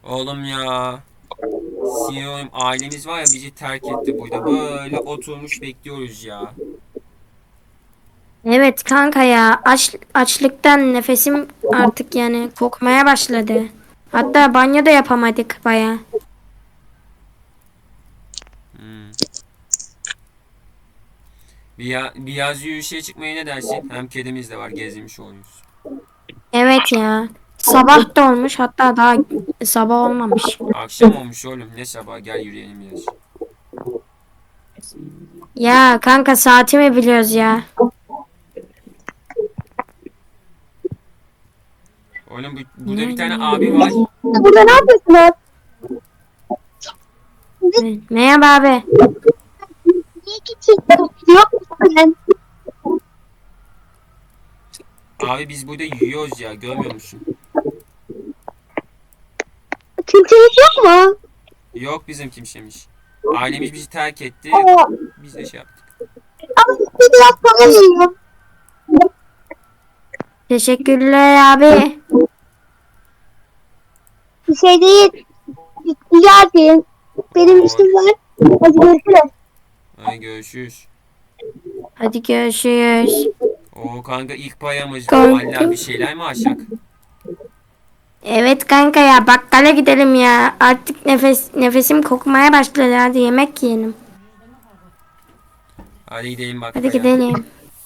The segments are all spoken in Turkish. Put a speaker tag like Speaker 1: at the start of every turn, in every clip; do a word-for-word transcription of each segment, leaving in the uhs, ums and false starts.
Speaker 1: Oğlum ya. Sinir oğlum, ailemiz var ya bizi terk etti burada. Böyle oturmuş bekliyoruz ya.
Speaker 2: Evet kanka ya aç, açlıktan nefesim artık yani kokmaya başladı. Hatta banyo da yapamadık baya.
Speaker 1: Hmm. Bir, ya, bir yaz yürüyüşe çıkmaya ne dersin? Hem kedimiz de var, gezmiş oluyoruz.
Speaker 2: Evet ya. Sabah da olmuş hatta daha sabah olmamış.
Speaker 1: Akşam olmuş oğlum, ne sabah, gel yürüyelim biraz.
Speaker 2: Ya kanka saati mi biliyoruz ya?
Speaker 1: Oğlum bu, burada bir
Speaker 2: Ne,
Speaker 1: tane
Speaker 2: ne,
Speaker 1: abi var.
Speaker 3: Burada ne yapıyorsunuz?
Speaker 2: ne? Merhaba abi.
Speaker 3: Niye geçiyorsunuz? Yok musun?
Speaker 1: Abi biz burada yürüyoruz ya, görmüyor musun?
Speaker 3: Kimseniz yok mu?
Speaker 1: Yok bizim kimsemiş. Ailemiz bizi terk etti.
Speaker 3: Aa,
Speaker 1: Biz de şey yaptık.
Speaker 3: ama size biraz para veriyorum.
Speaker 2: Teşekkürler abi.
Speaker 3: Bir şey değil. Rica edeyim. Benim
Speaker 1: Oo,
Speaker 3: işim var. Hadi görüşürüz.
Speaker 1: hadi görüşürüz.
Speaker 2: Hadi görüşürüz.
Speaker 1: Oo kanka, ilk payamız.
Speaker 2: Kanka.
Speaker 1: Vallahi bir şeyler mi açsak?
Speaker 2: Evet kanka ya bakkala gidelim ya. Artık nefes nefesim kokmaya başladı. Hadi yemek yiyelim.
Speaker 1: Hadi gidelim
Speaker 2: Hadi
Speaker 1: bakkala.
Speaker 2: gidelim.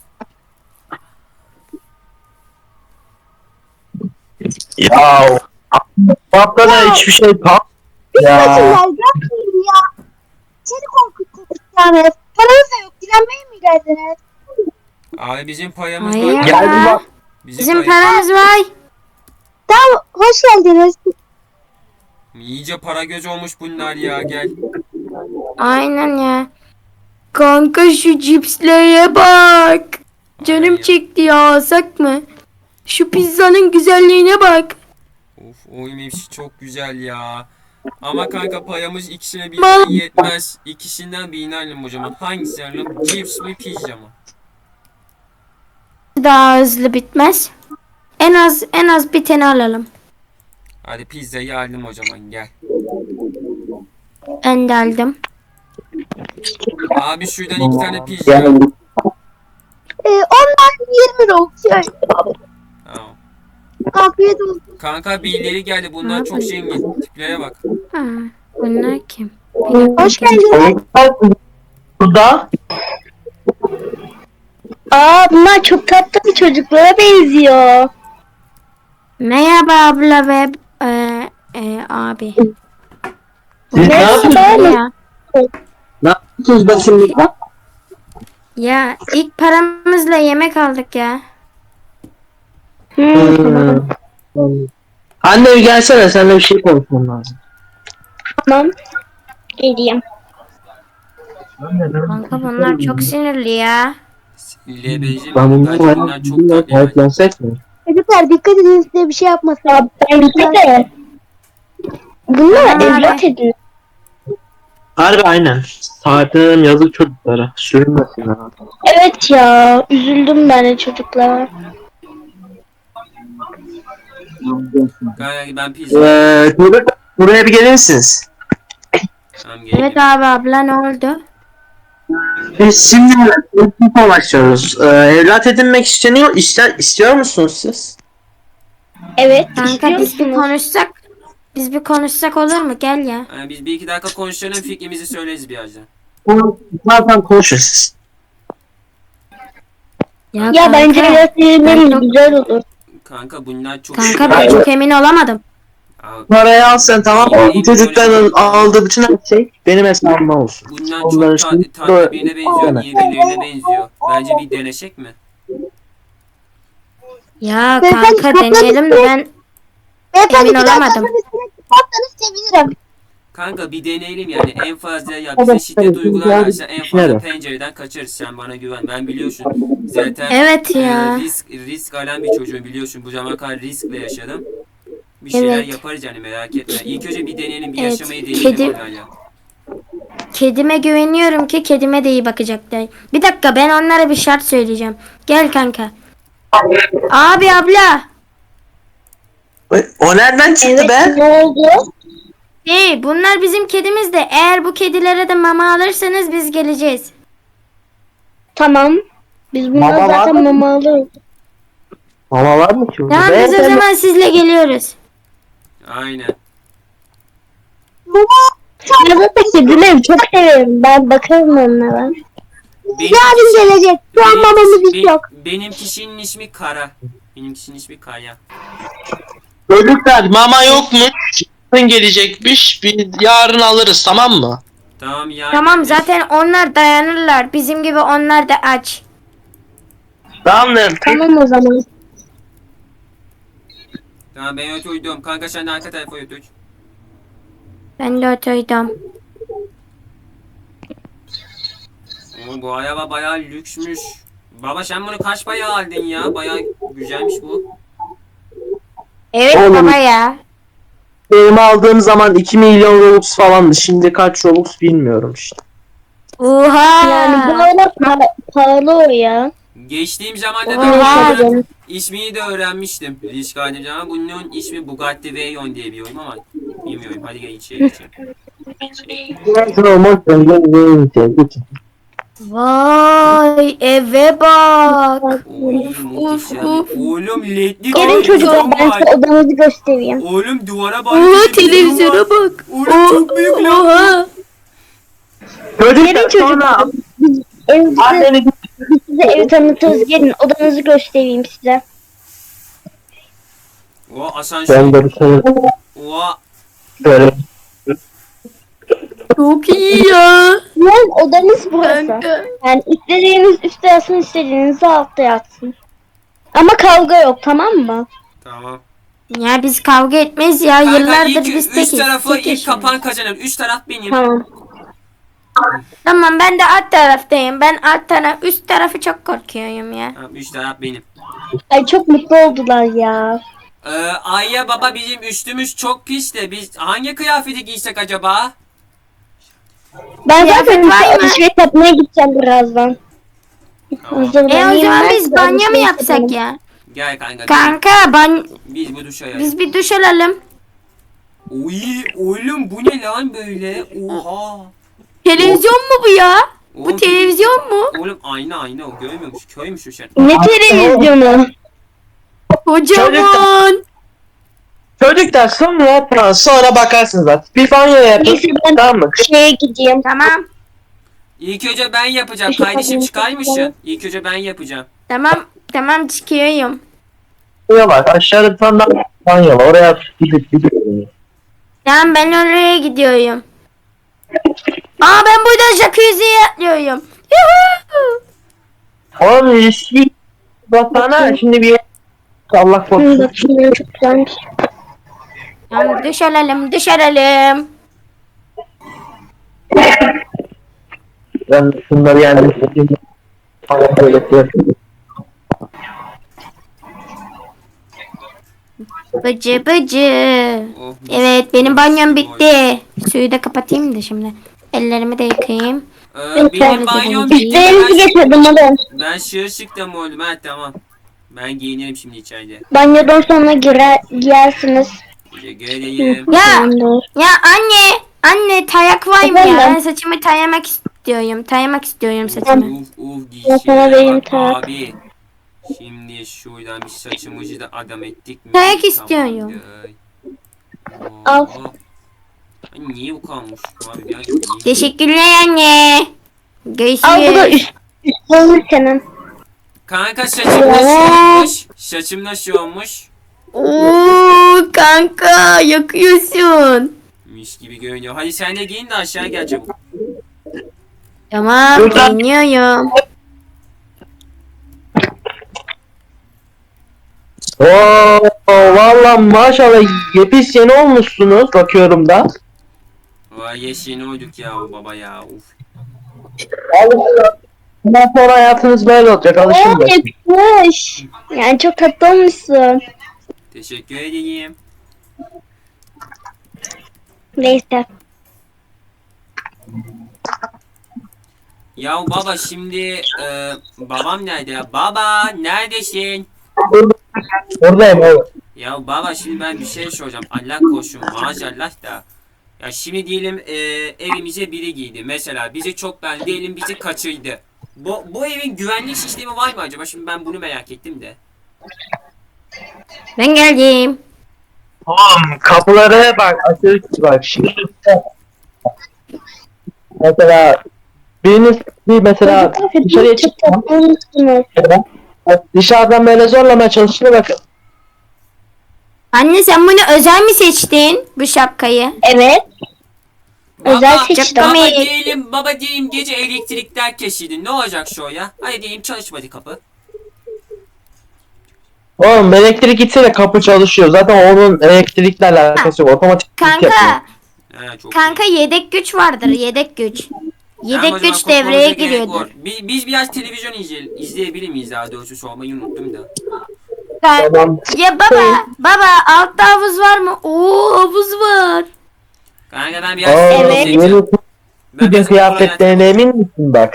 Speaker 4: Ya haftada hiçbir şey kalmadı
Speaker 3: Üzmesinler.
Speaker 4: ya.
Speaker 3: Yapmayın ya. Seni korkuttuk yani. Paranız da yok. Dilenmeye mi geldiniz?
Speaker 1: Abi bizim payamız
Speaker 2: Hayır
Speaker 1: var.
Speaker 4: Geldi
Speaker 2: ya.
Speaker 4: bak.
Speaker 1: Bizim
Speaker 2: Bizim
Speaker 1: pay...
Speaker 2: paramız var.
Speaker 3: Tamam. Hoş geldiniz.
Speaker 1: İyice para göz olmuş bunlar ya, gel.
Speaker 2: Aynen ya. Kanka şu cipslere bak. Canım
Speaker 1: Ay,
Speaker 2: çekti ya alsak mı? Şu pizzanın güzelliğine bak.
Speaker 1: of, o yemiş çok güzel ya. Ama kanka payamız ikisine
Speaker 2: Mal.
Speaker 1: birden yetmez. İkisinden birini alalım o zaman. Hangisi alalım? Cips mi, pizza mı?
Speaker 2: Daha hızlı bitmez. En az en az bir tane alalım.
Speaker 1: Hadi pizzayı alalım o zaman, gel.
Speaker 2: Ben de aldım.
Speaker 1: Abi şuradan iki tane pizza.
Speaker 4: Yani
Speaker 3: Ee, ondan yirmi lira olsun.
Speaker 1: Tamam.
Speaker 3: Afiyet olsun.
Speaker 1: Kanka birileri geldi, bunlar çok zengin. Tiplere bak.
Speaker 2: Ha, bunlar kim?
Speaker 3: Hoş geldiniz.
Speaker 4: burada
Speaker 3: Aa, bunlar çok tatlı bir çocuklara benziyor.
Speaker 2: Merhaba abla ve e, e, abi.
Speaker 4: siz ne yapıyorsunuz?
Speaker 2: Ya.
Speaker 4: Ne yapıyorsunuz bakayım burada?
Speaker 2: Ya ilk paramızla yemek aldık ya.
Speaker 4: Hmm. Anne bir gelsene, seninle bir şey konuşmam lazım.
Speaker 3: Tamam. Geleyim.
Speaker 2: Kanka bunlar çok sinirli ya.
Speaker 1: L B J
Speaker 4: Ben
Speaker 1: mi?
Speaker 4: bunları
Speaker 1: Bence bunlar çok
Speaker 4: bayağı
Speaker 1: tatlı yani.
Speaker 4: sahiplensek mi?
Speaker 3: Çocuklar dikkat edin, size bir şey yapmasın. Ya bence de. Bunlar
Speaker 2: Tamam
Speaker 3: evlat
Speaker 2: abi.
Speaker 3: edin.
Speaker 4: Harbi aynen. Sahiplenelim, yazık çocuklara. Sürünmesinler.
Speaker 3: Evet ya, üzüldüm ben de çocuklara.
Speaker 1: Kanka ben pizza.
Speaker 4: Eee çocuk, buraya bir gelir misiniz?
Speaker 1: Tamam, gelelim.
Speaker 2: Evet abi abla ne oldu?
Speaker 4: Biz şimdi info başlıyoruz. Ee, evlat edinmek isteniyor, ister, istiyor musunuz siz?
Speaker 3: Evet,
Speaker 2: Kanka biz bir konuşsak. Biz bir konuşsak olur mu? Gel ya.
Speaker 1: Yani biz bir iki dakika konuşalım, fikrimizi söyleriz birazdan.
Speaker 4: Bunu zaten konuşuruz.
Speaker 2: Ya,
Speaker 3: Ya
Speaker 2: kanka,
Speaker 3: bence evlat
Speaker 2: ben
Speaker 3: edinmenin
Speaker 2: çok-
Speaker 3: güzel olur.
Speaker 1: Kanka bunlar çok...
Speaker 2: Kanka ben çok emin olamadım.
Speaker 1: Abi,
Speaker 4: Parayı al sen, tamam mı?
Speaker 1: Yemin
Speaker 4: Bu çocukların
Speaker 1: ediyorum.
Speaker 4: aldığı bütün her şey benim hesabıma olsun.
Speaker 1: bunlar
Speaker 4: Onların
Speaker 1: çok
Speaker 4: şimdi
Speaker 1: ta- tatlı
Speaker 4: böyle-
Speaker 1: birine benziyor, iyi birilerine benziyor. Bence bir deneşek mi?
Speaker 2: Ya
Speaker 3: Beyefendi,
Speaker 2: kanka deneyelim de ben
Speaker 3: Beyefendi,
Speaker 2: Emin
Speaker 3: bir daha
Speaker 2: olamadım.
Speaker 3: kapının üstüne çıkarsanız sevinirim.
Speaker 1: Kanka bir deneyelim yani, en fazla ya bize şiddet uygularlarsa en fazla pencereden kaçarız, sen bana güven, ben biliyorsun zaten
Speaker 2: Evet
Speaker 1: e,
Speaker 2: ya.
Speaker 1: risk risk alan bir çocuğum, biliyorsun bu zamana kadar riskle yaşadım, bir şeyler
Speaker 2: Evet.
Speaker 1: yaparız yani, merak etme. İlk önce bir deneyelim, bir
Speaker 2: Evet,
Speaker 1: yaşamayı deneyelim
Speaker 2: kedi-
Speaker 1: onlarla.
Speaker 2: Kedime güveniyorum ki kedime de iyi bakacaklar. Bir dakika ben onlara bir şart söyleyeceğim. Gel kanka. Abi abla.
Speaker 4: O nereden çıktı be?
Speaker 3: Ne oldu?
Speaker 2: Hey, bunlar bizim kedimiz de. Eğer bu kedilere de mama alırsanız biz geleceğiz.
Speaker 3: Tamam. Biz bunları
Speaker 4: Mama var
Speaker 3: zaten
Speaker 4: mı?
Speaker 3: mama alıyoruz.
Speaker 4: Mama var mı ki burada?
Speaker 2: Tamam biz o
Speaker 4: Beyefendi,
Speaker 2: zaman sizle geliyoruz.
Speaker 1: Aynen.
Speaker 3: Ben zaten kedileri çok seviyorum. Ben bakarım onlara.
Speaker 1: Benim,
Speaker 3: Yarın gelecek. Şu an mamamız hiç
Speaker 1: be-
Speaker 3: yok.
Speaker 1: benim kişinin ismi Kara. Benim kişinin ismi Kaya.
Speaker 5: Çocuklar mama yok mu? Yarın gelecekmiş. Biz yarın alırız, tamam mı?
Speaker 1: Tamam ya.
Speaker 2: Tamam zaten onlar dayanırlar. Bizim gibi onlar da aç.
Speaker 4: Tamamdır.
Speaker 3: Tamam o zaman.
Speaker 1: Tamam ben oturdum. Kanka sen de arka tarafa otur.
Speaker 2: Ben de oturdum.
Speaker 1: Oo, bu araba bayağı lüksmüş. Baba sen bunu kaç paraya aldın ya? Bayağı güzelmiş bu.
Speaker 2: Evet
Speaker 4: Oğlum.
Speaker 2: baba ya.
Speaker 4: Benim aldığım zaman iki milyon Robux falandı. Şimdi kaç Robux bilmiyorum işte.
Speaker 2: Oha.
Speaker 3: Yani bu arada pa- pahalı o ya.
Speaker 1: Geçtiğim zamanda
Speaker 2: Oha.
Speaker 1: ben bunun
Speaker 3: Canım.
Speaker 1: ismini de öğrenmiştim. Risk aldım zaman bunun ismi Bugatti Veyron diye bir oyun ama bilmiyorum. Hadi gel içeri geçelim.
Speaker 2: Vay eve bak.
Speaker 1: Oy, muhteşem. Oğlum ledli
Speaker 3: Gelin çocuklar ben
Speaker 1: televizyon
Speaker 3: size
Speaker 1: var.
Speaker 3: odanızı göstereyim.
Speaker 1: Oğlum duvara bak.
Speaker 2: Oha televizyona
Speaker 1: var.
Speaker 2: bak.
Speaker 1: Oğlum çok büyük lan.
Speaker 2: Oha.
Speaker 3: Gelin
Speaker 4: Çocuklar sonra
Speaker 3: çocuklar. Biz evimizi,
Speaker 4: anneni
Speaker 3: biz size evi tanıtırız. Gelin odanızı göstereyim size.
Speaker 1: O asansör.
Speaker 4: ben de bir şey
Speaker 1: Oha.
Speaker 4: böyle
Speaker 2: Çok iyi ya.
Speaker 3: Yani odanız burası.
Speaker 2: Kanka.
Speaker 3: Yani istediğiniz üstte yatsın, istediğiniz altta yatsın. Ama kavga yok, tamam mı?
Speaker 1: Tamam.
Speaker 2: Ya biz kavga etmeyiz ya.
Speaker 1: Kanka
Speaker 2: Yıllardır
Speaker 1: ilk,
Speaker 2: biz
Speaker 1: üst
Speaker 2: tekiz.
Speaker 1: tarafı
Speaker 2: Tek
Speaker 1: ilk
Speaker 2: yaşıyoruz.
Speaker 1: kapan kazanır. Üst taraf benim.
Speaker 3: Tamam.
Speaker 2: Tamam ben de alt taraftayım. Ben alt taraf üst tarafı çok korkuyorum ya.
Speaker 1: Tamam, üst taraf benim.
Speaker 3: Ay çok mutlu oldular ya.
Speaker 1: Ee, Ayya baba bizim üstümüz çok pis de biz hangi kıyafeti giysek acaba?
Speaker 3: Ben
Speaker 2: Kıyafet
Speaker 3: zaten
Speaker 2: var mı?
Speaker 3: alışveriş yapmaya gideceğim birazdan.
Speaker 1: Tamam.
Speaker 2: E o
Speaker 3: Hazırlanayım
Speaker 2: zaman
Speaker 3: ben,
Speaker 2: biz
Speaker 3: size
Speaker 2: banyo mu
Speaker 3: alışveriş
Speaker 2: yapsak
Speaker 3: yapalım.
Speaker 2: ya?
Speaker 1: Gel kanka.
Speaker 2: Kanka ban
Speaker 1: Biz bu duşa ya.
Speaker 2: biz bir duş alalım.
Speaker 1: Oy oğlum bu ne lan böyle? Oha.
Speaker 2: Televizyon mu bu ya?
Speaker 1: Oğlum,
Speaker 2: Bu televizyon mu?
Speaker 1: Oğlum ayna ayna o görmüyormuş. Köymüş o şey.
Speaker 3: Ne televizyonu?
Speaker 2: Kocaman.
Speaker 4: Çocuklar sonra tamam, sonra bakarsınız artık. Bir banyo yapın.
Speaker 3: Neyse ben
Speaker 4: Tamam mı?
Speaker 3: şeye gideyim.
Speaker 2: Tamam.
Speaker 1: İlk önce ben yapacağım.
Speaker 3: Şu
Speaker 1: Kardeşim
Speaker 3: kapıyı
Speaker 1: çıkar mısın?
Speaker 3: kapatalım.
Speaker 1: İlk önce ben yapacağım.
Speaker 2: Tamam. Tamam çıkıyorum.
Speaker 4: Banyo var. Aşağıda bir tane daha banyo var. Oraya gidip gidiyorum.
Speaker 2: Tamam ben oraya gidiyorum. Aa ben buradan jacuzziye atlıyorum. Yuhuu.
Speaker 4: Oğlum eski baksana şimdi bir Allah
Speaker 3: Hı,
Speaker 4: korusun.
Speaker 3: bakayım, çok güzelmiş.
Speaker 2: Tamam duş alalım duş alalım.
Speaker 4: Ben şunları yani falan böyle yapıyorum.
Speaker 2: Bıcı bıcı.
Speaker 1: Oh,
Speaker 2: Evet benim banyom bitti. Suyu da kapatayım da şimdi. Ellerimi de yıkayayım.
Speaker 1: Ee, benim banyom bitti.
Speaker 3: Üstlerinizi
Speaker 1: Ben,
Speaker 3: getirdim hadi.
Speaker 1: ben şığı çıktım oğlum. Ha tamam. Ben giyinirim şimdi içeride.
Speaker 3: Banyodan sonra girer, giyersiniz.
Speaker 1: Teşekkür edeyim.
Speaker 2: Ya
Speaker 3: Tamamdır.
Speaker 2: ya anne anne tayak var mı ya?
Speaker 3: Efendim?
Speaker 2: Ben saçımı tayamak istiyorum. Tayamak istiyorum saçımı.
Speaker 1: Uf uf
Speaker 3: Ben sana
Speaker 1: dişlere
Speaker 3: vereyim
Speaker 1: bak
Speaker 3: tarak.
Speaker 1: abi. Şimdi şuradan bir saçımızı da adam ettik mi?
Speaker 2: Tarak istiyorum.
Speaker 1: Tamamdır.
Speaker 3: Al.
Speaker 1: Oo. Ay, niye bu kalmış? Abi ya, niye?
Speaker 2: Teşekkürler anne.
Speaker 3: Al bu da
Speaker 2: Görüşürüz.
Speaker 3: üst. Üst olur senin.
Speaker 1: Kanka saçım nasıl olmuş? Saçım nasıl olmuş?
Speaker 2: Oo kanka yakıyorsun.
Speaker 1: Mis gibi görünüyor. Hadi sen de giyin de aşağı gel çabuk.
Speaker 2: Tamam
Speaker 4: Buradan-
Speaker 2: dinliyorum.
Speaker 4: Oo valla maşallah yepis yeni olmuşsunuz bakıyorum da.
Speaker 1: Vay yeşil olduk ya baba ya. Uf.
Speaker 4: Bundan sonra hayatınız böyle olacak alışın
Speaker 3: Oo
Speaker 4: da.
Speaker 3: yakışmış. Yani çok tatlı olmuşsun.
Speaker 1: Teşekkür edeyim.
Speaker 3: Neyse.
Speaker 1: Ya baba şimdi e, babam nerede ya? Baba neredesin?
Speaker 4: Buradayım oğlum.
Speaker 1: Ya baba şimdi ben bir şey soracağım. Allah korusun maazallah da. Ya şimdi diyelim e, evimize biri girdi. Mesela bizi çok beğendi. Diyelim bizi kaçırdı. Bu, bu evin güvenlik sistemi var mı acaba? Şimdi ben bunu merak ettim de.
Speaker 2: Ben geldim.
Speaker 4: Oğlum kapıları bak açık bak şimdi. Mesela biriniz bir mesela dışarıya çıkacağım. Dışarıdan böyle zorlamaya çalışıyor bakın.
Speaker 2: Anne sen bunu özel mi seçtin? Bu şapkayı.
Speaker 3: Evet. Özel
Speaker 1: Baba,
Speaker 3: seçtim.
Speaker 1: baba diyelim, baba diyelim gece elektrikler kesildi. Ne olacak şu ya? Hadi diyelim çalışmadı kapı.
Speaker 4: Oğlum elektrik gitse de kapı çalışıyor. Zaten onun elektrikle alakası yok. Otomatik yapıyor.
Speaker 2: Kanka,
Speaker 1: He, çok
Speaker 2: kanka yedek güç vardır, yedek güç.
Speaker 1: Tamam, o
Speaker 2: Yedek
Speaker 1: zaman
Speaker 2: güç
Speaker 1: korkmamıza
Speaker 2: devreye
Speaker 1: gerek
Speaker 2: giriyordur.
Speaker 1: yok. Biz, biz biraz televizyon izle, izleyebilir miyiz daha doğrusu sormayı unuttum da.
Speaker 2: Ka-
Speaker 4: Tamam.
Speaker 2: Ya baba, baba altta havuz var mı? Oo havuz var.
Speaker 1: Kanka ben biraz
Speaker 4: Aa,
Speaker 1: evet.
Speaker 2: Evet.
Speaker 4: yeni
Speaker 1: Ben
Speaker 4: bir
Speaker 1: biraz
Speaker 4: kıyafetlerine emin misin bak?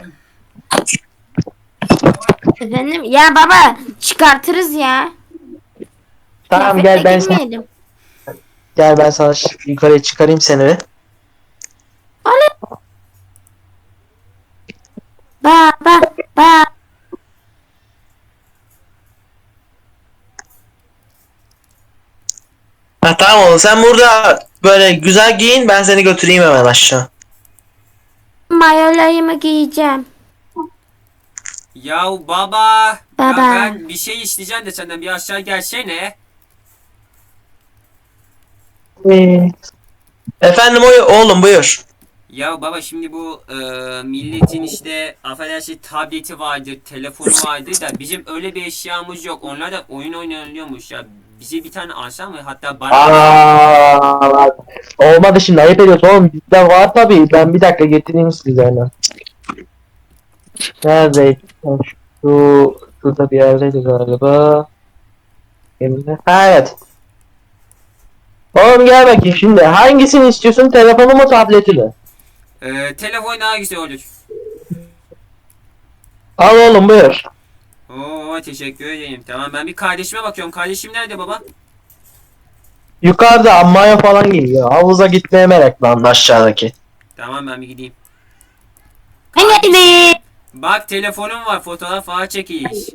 Speaker 2: Efendim? Ya baba çıkartırız ya.
Speaker 4: Tamam
Speaker 2: Kıyafetle
Speaker 4: gel ben sana,
Speaker 2: girmeyelim.
Speaker 4: gel ben sana şu yukarıya çıkarayım seni bir.
Speaker 2: Baba, baba.
Speaker 4: Ha tamam oğlum sen burada böyle güzel giyin ben seni götüreyim hemen aşağı.
Speaker 2: Mayolarımı giyeceğim.
Speaker 1: Yahu baba.
Speaker 2: Baba.
Speaker 1: Ya ben bir şey isteyeceğim de senden bir aşağı gelsene.
Speaker 4: Ee, Efendim oy oğlum buyur.
Speaker 1: Ya baba şimdi bu e, milletin işte affedersin tableti vardır, telefonu vardır da bizim öyle bir eşyamız yok. Onlar da oyun oynanıyormuş ya. Bize bir tane alsan mı? Hatta bana
Speaker 4: Aa, olmadı şimdi ayıp ediyorsun oğlum bizde var tabii ben bir dakika getireyim size hemen. Nerede? Şu şurada bir yerdeydi galiba. Emre. Ha evet. Oğlum gel bakayım şimdi hangisini istiyorsun telefonu mu tableti mi?
Speaker 1: e, telefon daha güzel olur.
Speaker 4: Al oğlum buyur.
Speaker 1: Oo teşekkür ederim. Tamam ben bir kardeşime bakıyorum. Kardeşim nerede baba?
Speaker 4: Yukarıda ammaya falan geliyor. Havuza gitmeye meraklandı aşağıdaki.
Speaker 1: Tamam ben bir gideyim.
Speaker 2: Ben geldim.
Speaker 1: Bak telefonum var fotoğraf falan çekiliş.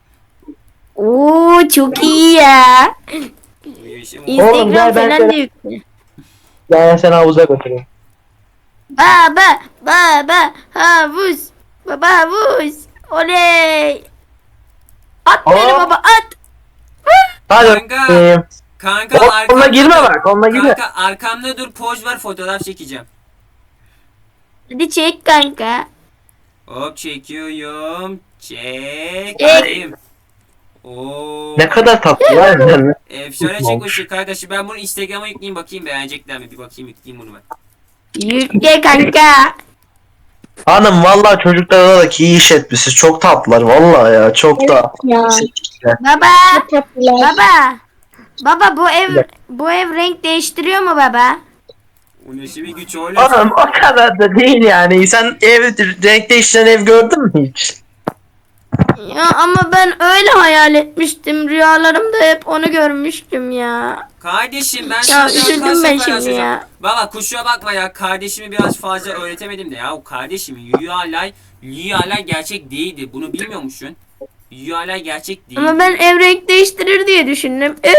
Speaker 2: Oo çok iyi ya.
Speaker 4: Oğlum, gel
Speaker 2: Instagram
Speaker 4: ben
Speaker 2: falan
Speaker 4: sana-
Speaker 2: da yüklü.
Speaker 4: Gel seni havuza götüreyim.
Speaker 2: Baba, baba, havuz. Baba havuz. Oley. At beni
Speaker 4: Aa.
Speaker 2: baba at.
Speaker 4: Hadi
Speaker 1: Kanka.
Speaker 4: bakayım.
Speaker 1: Kanka
Speaker 4: Onunla
Speaker 1: arkamda
Speaker 4: girme
Speaker 1: dur.
Speaker 4: bak onunla girme.
Speaker 1: Kanka arkamda dur poz ver fotoğraf çekeceğim.
Speaker 2: Hadi çek kanka.
Speaker 1: Hop çekiyorum. Çek.
Speaker 2: Çek.
Speaker 1: Alayım. Oo.
Speaker 4: Ne kadar tatlı var ya.
Speaker 1: Efsane çekmişsin kardeşim. Ben bunu Instagram'a yükleyeyim bakayım beğenecekler mi? Bir bakayım yükleyeyim bunu ben.
Speaker 2: Yükle kanka.
Speaker 4: Hanım vallahi çocuklara da ki iyi iş etmişsiniz. Çok tatlılar vallahi ya. Çok da.
Speaker 3: Ya.
Speaker 2: Baba,
Speaker 3: Çok tatlılar.
Speaker 2: baba. Baba bu ev bu ev renk değiştiriyor mu baba?
Speaker 1: O nasıl bir güç oğlum?
Speaker 4: Hanım o kadar da değil yani. Sen ev renk değiştiren ev gördün mü hiç?
Speaker 2: Ya ama ben öyle hayal etmiştim. Rüyalarımda hep onu görmüştüm ya.
Speaker 1: Kardeşim ben
Speaker 2: Ya
Speaker 1: sana
Speaker 2: üzüldüm
Speaker 1: kaç
Speaker 2: ben
Speaker 1: sefer
Speaker 2: şimdi
Speaker 1: yazacağım.
Speaker 2: ya.
Speaker 1: Baba kusura bakma ya kardeşimi biraz fazla öğretemedim de ya. O kardeşim rüyalar, rüyalar gerçek değildi. Bunu bilmiyor musun? Rüyalar gerçek değil.
Speaker 2: Ama ben ev renk değiştirir diye düşündüm. Ee,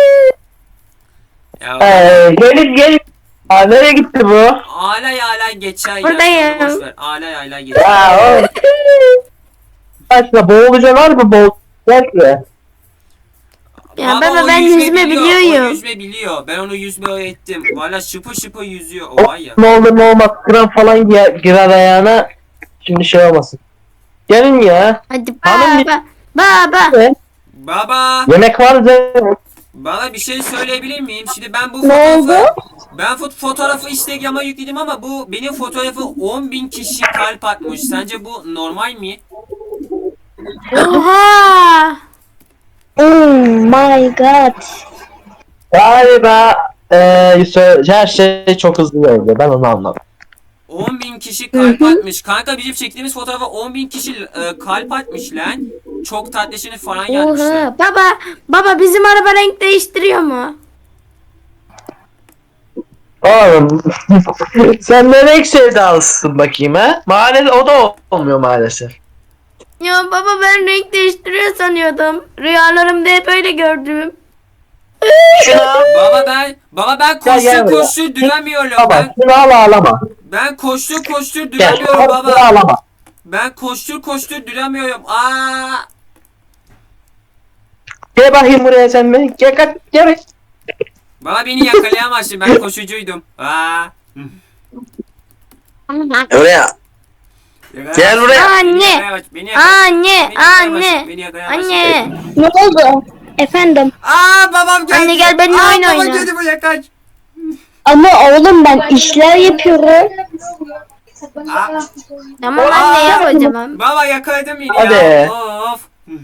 Speaker 1: Ya,
Speaker 4: Ee, gelin gelin. Aa, nereye gitti bu?
Speaker 1: alay alay geçer ya.
Speaker 2: Buradayım.
Speaker 1: Boş ver. Alay alay geçer.
Speaker 4: Ya oğlum. Başla boğuluca var mı boğul? Gel şuraya.
Speaker 2: Ya
Speaker 1: Baba,
Speaker 2: baba
Speaker 1: o
Speaker 2: ben
Speaker 1: yüzme
Speaker 2: yüzme
Speaker 1: biliyor, O
Speaker 2: biliyorum.
Speaker 1: yüzme biliyor. Ben onu yüzme öğrettim. Valla şıpı şıpı yüzüyor. O var ya.
Speaker 4: Ne olur ne olmaz kram falan girer, girer ayağına. Şimdi şey olmasın. Gelin ya.
Speaker 2: Hadi
Speaker 4: Hanım
Speaker 2: baba. Baba.
Speaker 4: Ne?
Speaker 1: Baba.
Speaker 4: Yemek var mı?
Speaker 1: Bana bir şey söyleyebilir miyim? Şimdi ben bu
Speaker 3: Ne
Speaker 1: fotoğrafı
Speaker 3: oldu?
Speaker 1: ben fot fotoğrafı Instagram'a yükledim ama bu benim fotoğrafı on bin kişi kalp atmış. Sence bu normal mi?
Speaker 2: Oha.
Speaker 3: Oh my god.
Speaker 4: Galiba eee sö- her şey çok hızlı oldu. Ben onu anladım.
Speaker 1: on bin kişi kalp atmış. Kanka bizim çektiğimiz fotoğrafa on bin kişi e, kalp atmış lan. Çok tatlışını falan yazmışlar.
Speaker 2: Oha. Baba. Baba bizim araba renk değiştiriyor mu?
Speaker 4: Oğlum sen ne renk sevdalısın bakayım ha? Maalesef o da olmuyor maalesef.
Speaker 2: Ya baba ben renk değiştiriyor sanıyordum. Rüyalarımda hep öyle gördüm.
Speaker 4: Şunu al.
Speaker 1: Baba ben baba ben
Speaker 4: Gel, gel
Speaker 1: koştur
Speaker 4: buraya.
Speaker 1: koştur duramıyorum.
Speaker 4: Baba
Speaker 1: Ben
Speaker 4: şunu al ağlama.
Speaker 1: ben koştur koştur
Speaker 4: Gel.
Speaker 1: duramıyorum
Speaker 4: Şunu
Speaker 1: baba.
Speaker 4: ağlama.
Speaker 1: Ben koştur koştur duramıyorum. Aa!
Speaker 4: Gel bakayım buraya sen be. Gel kaç gel.
Speaker 1: Baba beni yakalayamazsın. Ben koşucuydum. Aa!
Speaker 4: Buraya. Gel buraya.
Speaker 2: Anne.
Speaker 1: Yakalayamaz, beni yakalayamaz,
Speaker 2: Anne,
Speaker 1: beni yakalayamaz,
Speaker 2: anne,
Speaker 1: beni yakalayamaz.
Speaker 2: anne.
Speaker 3: Ne oldu? Efendim.
Speaker 1: Aa babam geldi.
Speaker 2: Anne, gel benimle
Speaker 1: Aa,
Speaker 2: oyun
Speaker 1: baba
Speaker 2: oyna.
Speaker 1: geldi buraya kaç.
Speaker 3: Ama oğlum ben işler yapıyorum.
Speaker 1: Aa,
Speaker 2: Tamam anne yap o zaman.
Speaker 1: baba yakaladım beni
Speaker 4: Hadi.
Speaker 1: ya. Of.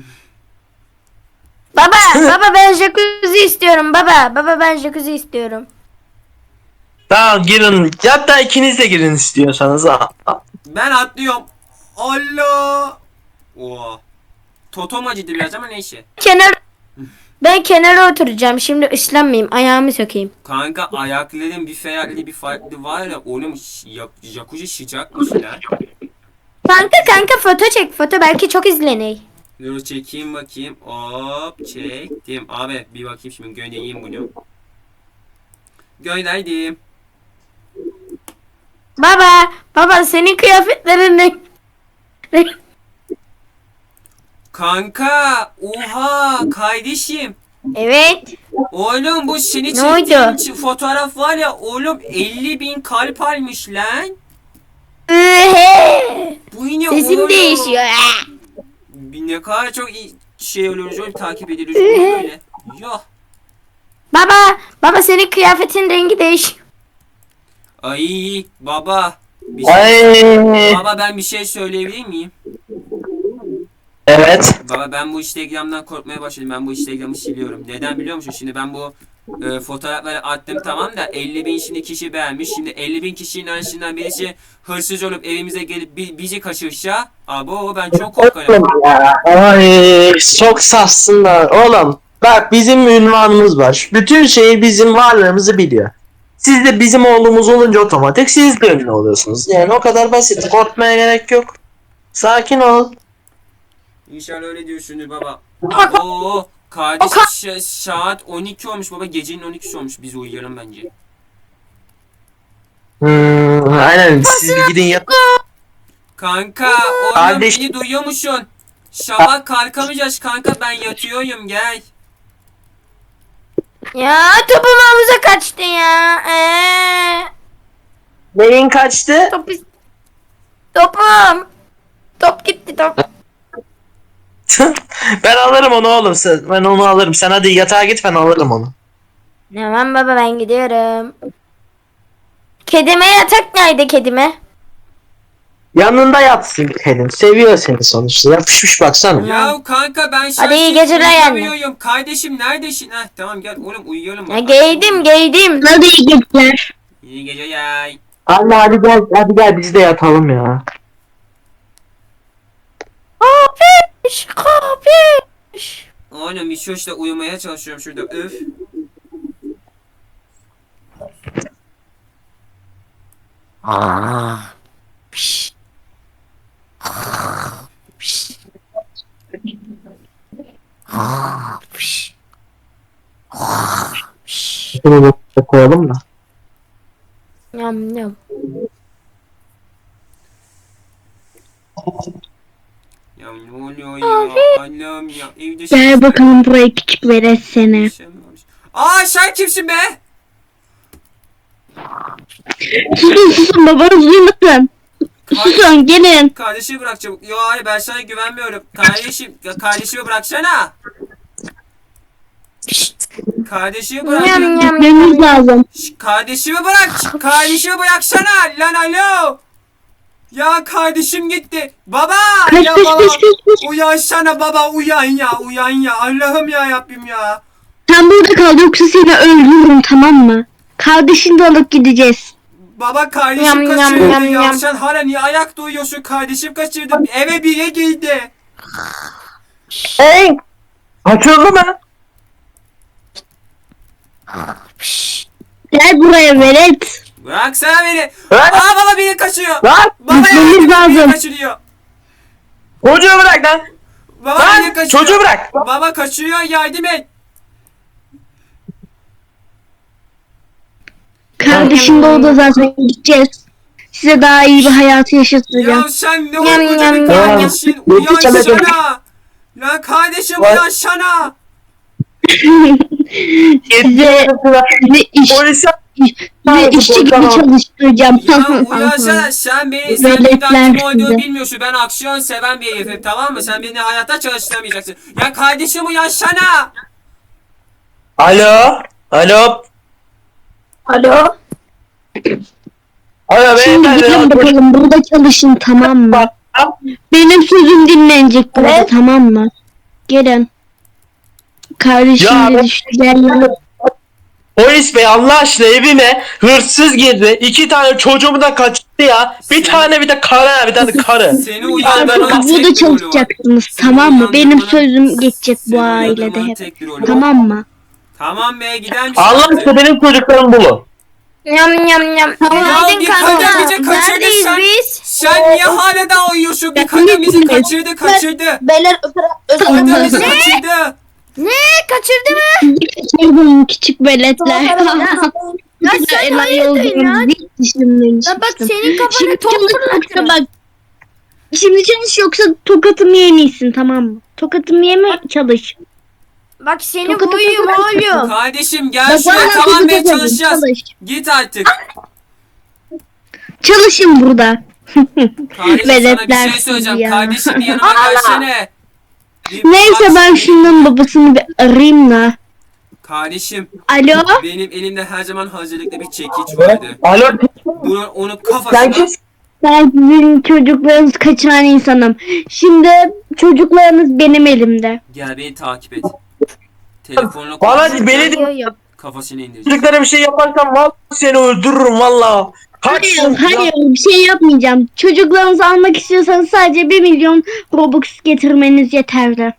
Speaker 2: Baba, baba ben jacuzzi istiyorum baba. Baba ben jacuzzi istiyorum.
Speaker 4: Tamam girin. Hatta ikiniz de girin istiyorsanız. Ha.
Speaker 1: Ben atlıyorum. Allah. Oha. Totom acıdı biraz ama neyse.
Speaker 2: Kenar Ben kenara oturacağım. Şimdi ıslanmayayım. Ayağımı sökeyim.
Speaker 1: Kanka ayakların bir farklı bir farklı var ya oğlum ş- ya- jacuzzi sıcakmış lan.
Speaker 2: Kanka kanka foto çek. Foto belki çok izlenir.
Speaker 1: Dur çekeyim bakayım. Hop çektim. Abi bir bakayım şimdi göndereyim bunu. Gönderdim.
Speaker 2: Baba, baba senin kıyafetlerin ne?
Speaker 1: Kanka oha kardeşim.
Speaker 2: Evet.
Speaker 1: Oğlum bu seni
Speaker 2: Ne
Speaker 1: çektiğim
Speaker 2: oldu?
Speaker 1: ç- fotoğraf var ya oğlum elli bin kalp almış lan.
Speaker 2: Ühe!
Speaker 1: Bu yine
Speaker 2: Sesim
Speaker 1: oğlum.
Speaker 2: değişiyor.
Speaker 1: Bir ne kadar çok iyi şey oluyoruz oğlum takip ediliyoruz oğlum böyle. Yok.
Speaker 2: Baba, baba senin kıyafetin rengi değişiyor.
Speaker 1: Ay baba. Bir şey,
Speaker 4: Ay.
Speaker 1: baba ben bir şey söyleyebilir miyim?
Speaker 4: Evet.
Speaker 1: Baba ben bu Instagram'dan korkmaya başladım. Ben bu Instagram'ı siliyorum. Neden biliyor musun? Şimdi ben bu e, fotoğrafları attım tamam da elli bin şimdi kişi beğenmiş. Şimdi elli bin kişinin arasından birisi hırsız olup evimize gelip bi- bizi kaçırsa abo ben çok korkarım.
Speaker 4: Oğlum ya. Ay çok sassınlar. Oğlum bak bizim ünvanımız var. Bütün şeyi bizim varlığımızı biliyor. Siz de bizim oğlumuz olunca otomatik siz de ünlü oluyorsunuz. Yani o kadar basit. Korkmaya gerek yok. Sakin ol.
Speaker 1: İnşallah öyle diyorsundur baba. Abo kardeşim ş- saat on iki olmuş baba. Gecenin on ikisi olmuş. Biz uyuyalım bence.
Speaker 4: Hmm, aynen siz bir gidin yat.
Speaker 1: Kanka oğlum
Speaker 4: Kardeş-
Speaker 1: beni duyuyor musun? Sabah kalkamayacağız kanka ben yatıyorum gel.
Speaker 2: Ya topum havuza kaçtı ya. Ee,
Speaker 4: Neyin kaçtı?
Speaker 2: top is- Topum. Top gitti top.
Speaker 4: Ben alırım onu oğlum. Sen, ben onu alırım. Sen hadi yatağa git ben alırım onu.
Speaker 2: Tamam baba ben gidiyorum. Kedime yatak nerede kedime?
Speaker 4: Yanında yatsın kedin. Seviyor seni sonuçta. Yapışmış baksana.
Speaker 1: Ya kanka ben
Speaker 2: Hadi iyi
Speaker 1: şarkı
Speaker 2: geceler anne.
Speaker 1: uyuyamıyorum. Kardeşim neredesin? Heh tamam gel oğlum uyuyalım.
Speaker 2: Ya giydim giydim.
Speaker 3: Hadi iyi geceler.
Speaker 1: İyi geceler.
Speaker 4: Anne hadi gel. Hadi gel biz de yatalım ya.
Speaker 2: Kapış kapış.
Speaker 1: Oğlum bir şuşla uyumaya çalışıyorum şurada öf.
Speaker 4: Şunu da koyalım da.
Speaker 2: Yam yam.
Speaker 1: Ya ne oluyor ya? Allah'ım ya evde
Speaker 3: Gel bakalım buraya küçük veres seni.
Speaker 1: Aa sen kimsin be?
Speaker 3: Susun susun babanız duymasın. Susun gelin.
Speaker 1: Kardeşimi bırak çabuk. Yo hayır ben sana güvenmiyorum. Kardeşim ya kardeşimi bıraksana. Kardeşimi bırak.
Speaker 2: Yam yam yam.
Speaker 3: Gitmemiz lazım.
Speaker 1: Şş, kardeşimi bırak. Kardeşimi bıraksana. Lan alo. Ya kardeşim gitti. Baba.
Speaker 3: Kaç
Speaker 1: ya
Speaker 3: kaç
Speaker 1: baba.
Speaker 3: kaç kaç kaç.
Speaker 1: Uyansana baba uyan ya uyan ya. Allah'ım ya Rabbim ya.
Speaker 3: Sen burada kal yoksa seni öldürürüm tamam mı? Kardeşini de alıp gideceğiz.
Speaker 1: Baba kardeşim
Speaker 2: Yam, yam,
Speaker 1: kaçırdı
Speaker 2: yam,
Speaker 1: ya.
Speaker 2: yam.
Speaker 1: Sen hala niye ayakta uyuyorsun? Kardeşim kaçırdı. Eve bire girdi.
Speaker 4: Hey! Kaçırdı mı?
Speaker 3: Gel
Speaker 6: Gel buraya velet.
Speaker 1: Bıraksana beni.
Speaker 4: Bırak.
Speaker 1: Aa baba beni kaçırıyor.
Speaker 4: Lan
Speaker 1: Baba
Speaker 6: Gitmemiz
Speaker 1: yardım et, beni
Speaker 6: lazım.
Speaker 1: kaçırıyor.
Speaker 4: çocuğu bırak lan.
Speaker 1: Baba
Speaker 4: Lan
Speaker 1: beni kaçırıyor.
Speaker 4: çocuğu bırak.
Speaker 1: Baba kaçırıyor yardım et.
Speaker 6: Kardeşim doğdu zaten gideceğiz. Size daha iyi bir hayatı yaşatacağım.
Speaker 1: Ya sen ne
Speaker 2: Yam,
Speaker 1: koca bir
Speaker 2: yam,
Speaker 1: kardeşin.
Speaker 4: yam.
Speaker 1: Uyansana. Lan kardeşim
Speaker 4: Lan.
Speaker 1: uyansana.
Speaker 6: Size, size iş,
Speaker 4: Polise
Speaker 6: size işçi gibi çalıştıracağım.
Speaker 1: Ya uyansana sen beni sen
Speaker 6: Veletler
Speaker 1: bir kim olduğunu
Speaker 6: sizi.
Speaker 1: bilmiyorsun. Ben aksiyon seven bir herifim tamam mı? Sen beni hayatta çalıştıramayacaksın. Ya kardeşim uyansana.
Speaker 4: Alo. Alo.
Speaker 2: Alo.
Speaker 4: Alo
Speaker 6: Şimdi
Speaker 4: beyefendi.
Speaker 6: gelin bakalım burada çalışın, tamam mı? Benim sözüm dinlenecek burada,
Speaker 2: Evet.
Speaker 6: tamam mı? Gelin. Kardeşim
Speaker 4: Ya
Speaker 6: de
Speaker 4: ben-
Speaker 6: düştü, gel.
Speaker 4: Polis bey Allah aşkına evime hırsız girdi. İki tane çocuğumu da kaçırdı ya. Bir
Speaker 1: Sen-
Speaker 4: tane bir de karı bir tane karı.
Speaker 1: Seni uyan ben
Speaker 6: Artık
Speaker 1: onun tek
Speaker 6: burada
Speaker 1: bir rolü var.
Speaker 6: çalışacaksınız,
Speaker 1: Seni
Speaker 6: tamam mı? Benim
Speaker 1: uyandırmanın-
Speaker 6: sözüm geçecek bu
Speaker 1: seni
Speaker 6: ailede
Speaker 1: uyandırmanın
Speaker 6: hep.
Speaker 1: tek bir rolü var.
Speaker 6: Tamam mı?
Speaker 1: Tamam be gider misin?
Speaker 4: Allah
Speaker 1: artık?
Speaker 4: aşkına benim çocuklarımı bulun.
Speaker 2: Yam yam yam. Günaydın
Speaker 1: bir
Speaker 2: kanka.
Speaker 1: kadın bizi kaçırdı
Speaker 2: Neredeyiz
Speaker 1: sen.
Speaker 2: biz?
Speaker 1: Sen niye hala daha uyuyorsun? Bir kadın bizi kaçırdı kaçırdı.
Speaker 3: Beyler özür
Speaker 1: Kadın
Speaker 3: dilerim.
Speaker 1: bizi kaçırdı.
Speaker 2: Ne? Kaçırdı mı?
Speaker 6: Kaçırdım küçük veletler.
Speaker 2: Ya sen hayırdır ya? Ya bak senin kafana
Speaker 6: Şimdi
Speaker 2: top
Speaker 6: çalış yoksa
Speaker 2: fırlatırım.
Speaker 6: bak. Şimdi çalış yoksa tokatımı yemeysin, tamam mı? Tokatımı yeme, çalış.
Speaker 2: Bak seni
Speaker 6: Tokat
Speaker 2: buyum
Speaker 6: atarım.
Speaker 2: oğlum.
Speaker 1: Kardeşim gel
Speaker 6: Bak,
Speaker 1: şuraya
Speaker 6: vallahi
Speaker 1: tamam be
Speaker 6: tokat atarım,
Speaker 1: çalışacağız.
Speaker 6: çalış.
Speaker 1: Git artık.
Speaker 6: Çalışın burada.
Speaker 1: Kardeşim sana bir
Speaker 6: Veletler
Speaker 1: şey söyleyeceğim.
Speaker 6: sizi ya.
Speaker 1: Kardeşim bir yanıma gelsene. Bir-
Speaker 6: Neyse
Speaker 1: bak,
Speaker 6: ben şunun babasını bir arayayım da.
Speaker 1: Kardeşim
Speaker 6: Alo?
Speaker 1: benim elimde her zaman hazırlıklı bir çekiç vardı.
Speaker 4: Alo.
Speaker 1: Bunu onun
Speaker 4: Sen
Speaker 1: kafasına
Speaker 4: kimsin?
Speaker 6: Ben sizin çocuklarınızı kaçıran insanım. Şimdi çocuklarınız benim elimde.
Speaker 1: gel beni takip et. Telefonla
Speaker 4: Bana
Speaker 1: konuş.
Speaker 4: beni de
Speaker 2: Yo, yo.
Speaker 1: Kafasını indireceğim.
Speaker 4: çocuklara bir şey yaparsan vallahi seni öldürürüm valla. Kaç
Speaker 6: Hayır, hayır bir şey yapmayacağım. Çocuklarınızı almak istiyorsanız sadece bir milyon Robux getirmeniz yeterli.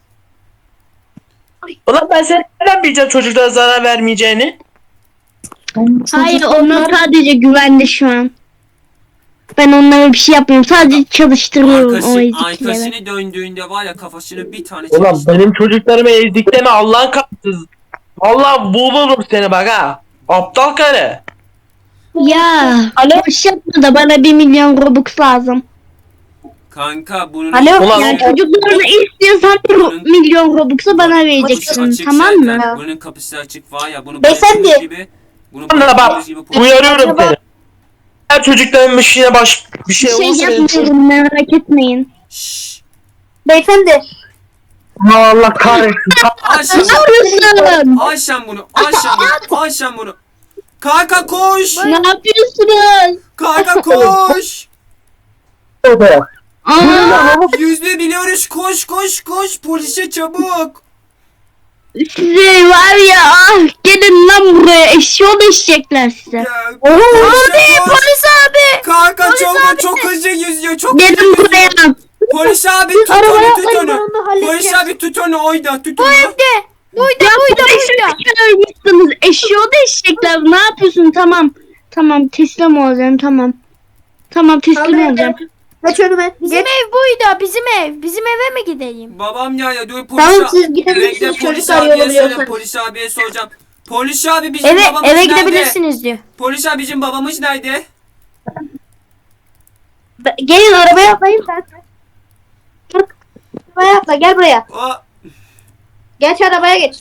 Speaker 4: Ulan ben seni nereden bileceğim çocuklara zarar vermeyeceğini?
Speaker 6: Hayır, onlar sadece güvende şu an. Ben onlara bir şey yapmıyorum. Sadece çalıştırıyorum o
Speaker 1: Arkası,
Speaker 6: ezikleri.
Speaker 1: arkasını döndüğünde var ya kafasını bir tane
Speaker 4: Ulan
Speaker 1: çekiştim.
Speaker 4: benim çocuklarımı ezdikleme Allah'ın kapsız. Vallahi bulurum seni bak ha. Aptal kare.
Speaker 6: Ya, boş yapma da bana bir milyon Robux lazım.
Speaker 1: Kanka bunun
Speaker 2: Alo?
Speaker 4: Ulan
Speaker 6: Yani
Speaker 4: o-
Speaker 6: çocuklarını istiyorsan
Speaker 1: Bunun-
Speaker 6: bir milyon Robux'u bana
Speaker 1: kapısı
Speaker 6: vereceksin,
Speaker 1: açık
Speaker 6: tamam mı?
Speaker 1: zaten. Bunun kapısı açık var ya bunu
Speaker 3: Beyefendi.
Speaker 1: bıraktığımız gibi bunu
Speaker 4: Ulan bak
Speaker 1: bıraktığımız gibi
Speaker 4: uyarıyorum seni. Her çocukların bir şeyine baş bir
Speaker 6: Bir
Speaker 4: şey
Speaker 6: şey
Speaker 4: olursa benim çocuk-
Speaker 6: yapmıyorum, merak etmeyin.
Speaker 1: Şşş.
Speaker 3: Beyefendi.
Speaker 4: Allah kahretsin.
Speaker 1: Al sen,
Speaker 6: Ne yapıyorsun?
Speaker 1: al sen bunu. Al sen bunu. Al sen bunu. Kanka koş.
Speaker 6: Ne yapıyorsunuz?
Speaker 1: Kanka koş.
Speaker 6: Aa,
Speaker 1: Yüzde biliyoruz. Koş koş koş. Polise çabuk.
Speaker 6: size var ya, ah, gelin lan buraya, eşyol eşecekler size.
Speaker 1: Ya,
Speaker 2: Abi
Speaker 1: polise koş.
Speaker 2: polis abi.
Speaker 1: Kanka çok çok hızlı yüzüyor. Çok hızlı
Speaker 6: Gelin
Speaker 1: yüzüyor.
Speaker 6: buraya.
Speaker 1: Polis abi tut
Speaker 2: Arabaya
Speaker 1: onu tut
Speaker 2: atlayın, ben
Speaker 1: onu.
Speaker 2: onu halledeceğim.
Speaker 1: Polis abi tut onu oyda tut onu.
Speaker 2: De. Buydu
Speaker 6: Ya
Speaker 2: buydu
Speaker 6: polisi
Speaker 2: buydu.
Speaker 6: çıkarmışsınız, eşyol eşecekler. Ne yapıyorsun? Tamam. Tamam, teslim olacağım, tamam. Tamam, teslim olacağım.
Speaker 3: Geç önüme.
Speaker 2: Bizim
Speaker 3: Geç.
Speaker 2: ev buydu. Bizim ev. Bizim eve mi gideyim?
Speaker 1: Babam ya ya dur polis
Speaker 3: Tamam
Speaker 1: abi.
Speaker 3: siz gidebilirsiniz
Speaker 1: Bekle polis
Speaker 3: çocuklar
Speaker 1: abiye söyle
Speaker 3: yolluyorsanız.
Speaker 1: polis abiye soracağım. Polis abi bizim
Speaker 2: Eve
Speaker 1: babamız
Speaker 2: eve
Speaker 1: nerede?
Speaker 2: gidebilirsiniz diyor.
Speaker 1: Polis abi bizim babamız nerede?
Speaker 3: Be- Gelin arabaya atlayın sen. Gel. Arabaya atla gel buraya.
Speaker 1: O
Speaker 3: Geç arabaya geç.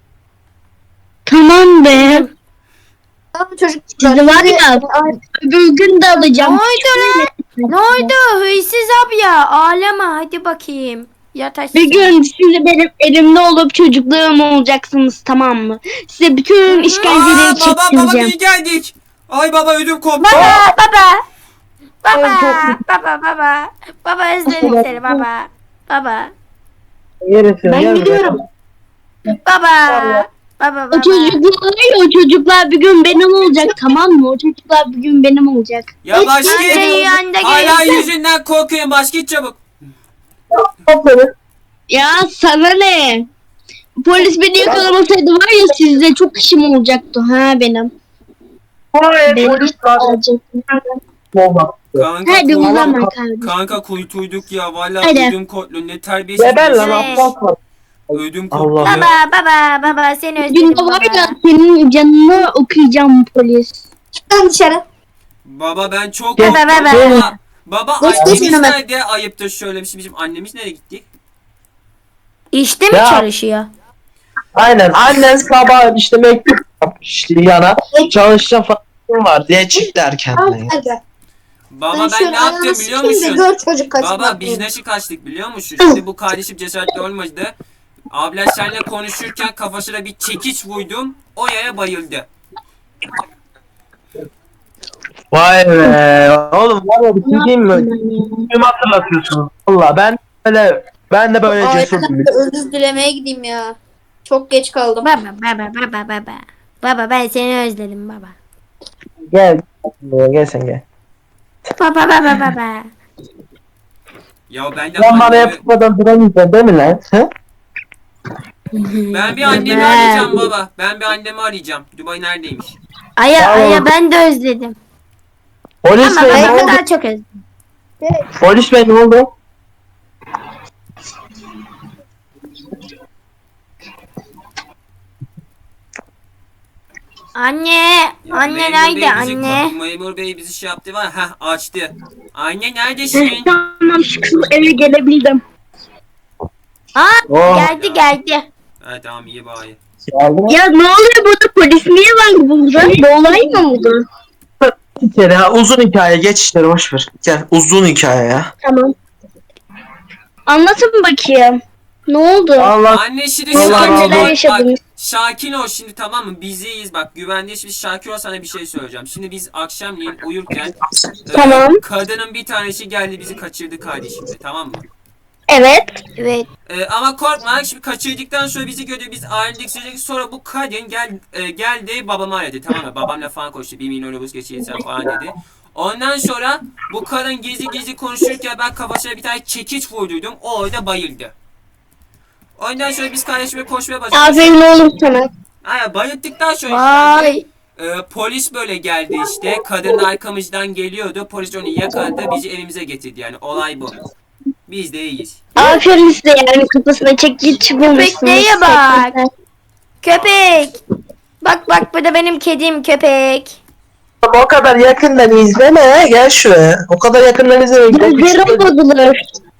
Speaker 6: Tamam be.
Speaker 3: Tamam çocuk.
Speaker 6: Sizi var ya,
Speaker 3: Ay,
Speaker 6: öbür gün de
Speaker 2: Ne
Speaker 6: alacağım.
Speaker 2: oldu lan? Ne oldu? Hırsız abi ya. Ağlama hadi bakayım. Yat aşağı.
Speaker 6: Bir gün siz benim elimde olup çocuklarım olacaksınız, tamam mı? Size bütün işkenceleri
Speaker 1: Aa, baba baba
Speaker 6: çektireceğim.
Speaker 1: iyi geldik. Ay baba ödüm koptu.
Speaker 2: Baba baba. Baba
Speaker 3: Ay, çok-
Speaker 2: baba baba. Baba özledim seni baba. Baba.
Speaker 3: Ben gidiyorum.
Speaker 2: Baba. Baba
Speaker 6: O
Speaker 2: baba.
Speaker 6: çocuklar var ya, o çocuklar bir gün benim olacak, tamam mı? O çocuklar bir gün benim olacak.
Speaker 1: Ya
Speaker 2: Anne
Speaker 1: başka
Speaker 2: yanında
Speaker 1: hala
Speaker 2: gelsin.
Speaker 1: yüzünden korkuyorum başka git çabuk.
Speaker 6: Ya sana ne? Polis beni yakalamasaydı var ya, sizde çok işim olacaktı ha benim.
Speaker 4: Hayır
Speaker 6: Benim
Speaker 4: polis var.
Speaker 6: alacak.
Speaker 4: Olmaz.
Speaker 1: Kanka,
Speaker 6: Hadi
Speaker 1: kuy-
Speaker 6: uzama kardeşim.
Speaker 1: kanka kuytuyduk ya. Vallahi
Speaker 6: Hadi.
Speaker 1: ödüm kotlu. Ne terbiyesiz.
Speaker 4: Geber lan
Speaker 2: Evet.
Speaker 4: aptal.
Speaker 1: Ödüm kotlu.
Speaker 4: Allah.
Speaker 1: ya.
Speaker 2: Baba baba baba seni özledim
Speaker 6: Günde var ya
Speaker 2: baba.
Speaker 6: senin canını okuyacağım polis.
Speaker 3: Çıkın dışarı.
Speaker 1: Baba ben çok
Speaker 4: Gel.
Speaker 1: korktum.
Speaker 2: Baba,
Speaker 4: baba.
Speaker 1: Baba, baba
Speaker 3: Geç,
Speaker 1: annemiz
Speaker 3: geç hemen.
Speaker 1: nerede? Ayıptır şöyle bir şey. Bizim annemiz nereye gitti?
Speaker 2: İşte mi
Speaker 4: Ya.
Speaker 2: çalışıyor?
Speaker 4: Aynen annen sabah işte mektup yapmış yana çalışacağım falan var diye çıktı erkenden.
Speaker 3: Al
Speaker 4: ya.
Speaker 3: hadi.
Speaker 1: Baba ben
Speaker 3: şöyle
Speaker 1: ne yaptım
Speaker 3: ayağını
Speaker 1: biliyor
Speaker 3: sıkayım da
Speaker 1: musun?
Speaker 3: Gör çocuk kaçmak.
Speaker 1: Baba biz nasıl kaçtık biliyor musun? Şimdi bu kardeşim cesaretli olmadı. Abla seninle konuşurken kafasına bir çekiç vurdum. O yere bayıldı.
Speaker 4: Vay be oğlum var ya bir şey diyeyim mi? Kimi hatırlatıyorsunuz? Valla ben böyle ben de böyle cesur
Speaker 3: Ailemden
Speaker 4: bir
Speaker 3: de özür dilemeye gideyim ya. Çok geç kaldım.
Speaker 2: Baba baba baba baba. Baba ben seni özledim baba.
Speaker 4: Gel. Gel sen gel.
Speaker 2: Baba baba baba.
Speaker 1: Ya ben de
Speaker 4: Sen bana
Speaker 1: annemi,
Speaker 4: yapmadan duramayacaksın değil mi lan? He?
Speaker 1: ben bir annemi arayacağım baba. Ben bir annemi arayacağım. Dubai neredeymiş?
Speaker 2: Aya
Speaker 4: Tamam.
Speaker 2: aya ben de özledim.
Speaker 4: Polis
Speaker 2: Ama
Speaker 4: bey
Speaker 2: ben
Speaker 4: ne
Speaker 2: o
Speaker 4: oldu?
Speaker 2: kadar çok özledim.
Speaker 4: Polis bey ne oldu?
Speaker 2: Anne,
Speaker 1: Ya
Speaker 2: anne
Speaker 1: memur
Speaker 2: nerede
Speaker 1: bey bizi-
Speaker 2: anne?
Speaker 1: Memur bey bizi şey yaptı var. Heh açtı. Anne neredesin?
Speaker 6: Tamam şükür eve gelebildim.
Speaker 2: Aa
Speaker 4: Oh.
Speaker 2: geldi geldi.
Speaker 1: Ha tamam iyi bari.
Speaker 4: Geldi.
Speaker 6: Ya ne oluyor burada polis niye var burada? Bir olay mı oldu?
Speaker 4: Bir kere ha, uzun hikaye geç işleri boş ver. Gel uzun hikaye ya.
Speaker 6: Tamam. Anlatın bakayım. Ne oldu?
Speaker 4: Allah
Speaker 1: Anne şimdi
Speaker 4: Allah
Speaker 1: sakin
Speaker 4: Allah.
Speaker 1: ol.
Speaker 6: Neler
Speaker 1: Bak,
Speaker 6: yaşadınız?
Speaker 1: sakin ol şimdi tamam mı? Bizeyiz bak güvendeyiz. Şimdi sakin ol sana bir şey söyleyeceğim. Şimdi biz akşamleyin uyurken e,
Speaker 6: Tamam.
Speaker 1: kadının bir tanesi geldi bizi kaçırdı kardeşimle tamam mı?
Speaker 6: Evet.
Speaker 2: Evet.
Speaker 1: E, ama korkma şimdi kaçırdıktan sonra bizi gördü biz ayrıldık sürekli sonra bu kadın gel e, geldi babamı aradı tamam mı? Babamla falan konuştu bir milyon obuz geçirsen falan dedi. Ondan sonra bu kadın gizli gizli konuşurken ben kafasına bir tane çekiç vurduydum. O orada bayıldı. Ondan sonra biz kardeşime koşmaya başladık.
Speaker 6: Aferin oğlum sana.
Speaker 1: Hayır bayılttıktan sonra
Speaker 2: Vay.
Speaker 1: e, polis böyle geldi işte. Kadın arkamızdan geliyordu. Polis onu yakaladı bizi evimize getirdi yani olay bu. Biz de iyiyiz.
Speaker 6: Aferin size yani kafasına çekiç bulmuşsunuz.
Speaker 2: Köpeğe bak. Köpek. Bak bak bu da benim kedim köpek.
Speaker 4: o kadar yakından izleme gel şuraya. O kadar yakından izleme. Gel
Speaker 6: Gözlerim
Speaker 4: küçük-
Speaker 6: bozulur.